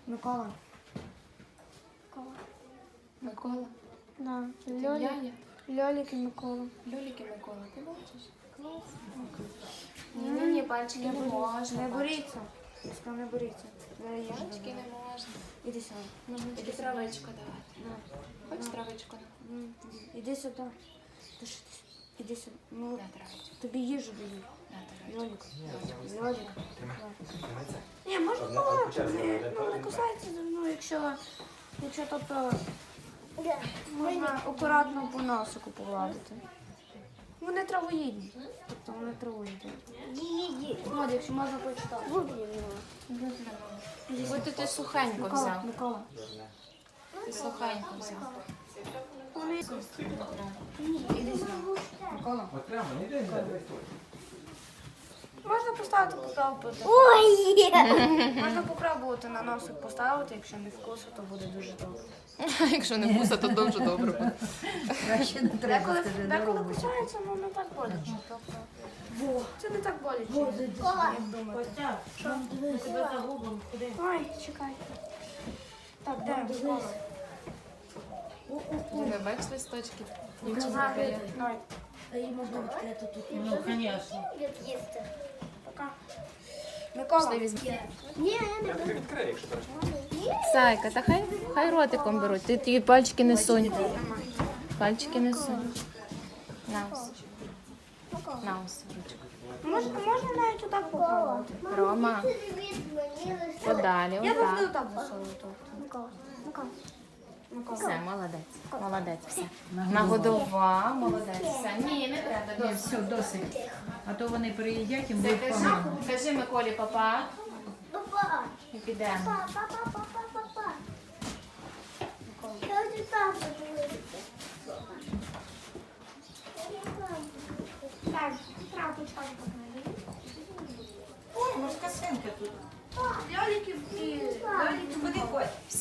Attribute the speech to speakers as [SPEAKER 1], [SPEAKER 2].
[SPEAKER 1] Микола.
[SPEAKER 2] Микола.
[SPEAKER 1] Да.
[SPEAKER 2] Яня.
[SPEAKER 1] Льолік і Микола.
[SPEAKER 2] Льолік і Микола. Ти бачиш? Класно. Ні, пальчики не можна.
[SPEAKER 1] Не боріться. Сказав, не боріться.
[SPEAKER 2] Пальчики не можна.
[SPEAKER 1] Іди сюди.
[SPEAKER 2] Іди травичку давати. Хочеш травичку?
[SPEAKER 1] Іди сюди. Іди сюди. Ну,
[SPEAKER 2] На травичку.
[SPEAKER 1] тобі їжу даю.
[SPEAKER 2] На травичку.
[SPEAKER 1] Льолік. Льолік. Ні, можна погладити. Не кусається за мною, якщо тобто можна акуратно по носику погладити. Вони травоїдні. Тобто вони травоїдні. От, якщо можна почитати.
[SPEAKER 2] Будь ти сухенько
[SPEAKER 1] Микола,
[SPEAKER 2] взяв.
[SPEAKER 1] Микола.
[SPEAKER 2] Ти сухенько взяв.
[SPEAKER 1] Іди сюди. Микола.
[SPEAKER 3] От прямо, не йди,
[SPEAKER 1] Можна поставити попробувати.
[SPEAKER 4] Ой!
[SPEAKER 1] Можна попробувати на носик поставити, якщо не вкусу, то буде дуже добре.
[SPEAKER 2] Якщо не вкуса, то дуже добре буде.
[SPEAKER 4] Краще не треба, скажи, не
[SPEAKER 1] Деколи
[SPEAKER 4] робиш.
[SPEAKER 1] кусається, ну не так боляче. Тобто, це не так боляче, як думаєте. Ой, чекай. Так, де Микола?
[SPEAKER 2] Ви бачиш листочки?
[SPEAKER 1] Давай,
[SPEAKER 4] Ну, звісно.
[SPEAKER 1] пока. Микола,
[SPEAKER 3] відкрий, якщо так.
[SPEAKER 2] Зайка, та хай ротиком беруть. Ти ті пальчики не сунь. Пальчики не сунь. На ось. На ось ручку.
[SPEAKER 1] можна навіть отак попробувати.
[SPEAKER 2] Рома, подалі,
[SPEAKER 1] Я завжди
[SPEAKER 2] отак.
[SPEAKER 1] отак засовую торт. Микола, Микола.
[SPEAKER 2] Все, молодець. Молодець, все. Нагодував, молодець. Все. Ні, не треба.
[SPEAKER 4] Ні,
[SPEAKER 2] Ні,
[SPEAKER 4] все, досить. А то вони приїдять і
[SPEAKER 2] все,
[SPEAKER 4] будуть погано.
[SPEAKER 2] кажи Миколі папа
[SPEAKER 4] Папа,
[SPEAKER 2] і підемо.
[SPEAKER 4] папа. Я вже папа
[SPEAKER 1] Так, трапочка покажи.
[SPEAKER 4] Морська свинка тут.
[SPEAKER 1] Льоліки і...
[SPEAKER 4] Куди ходь?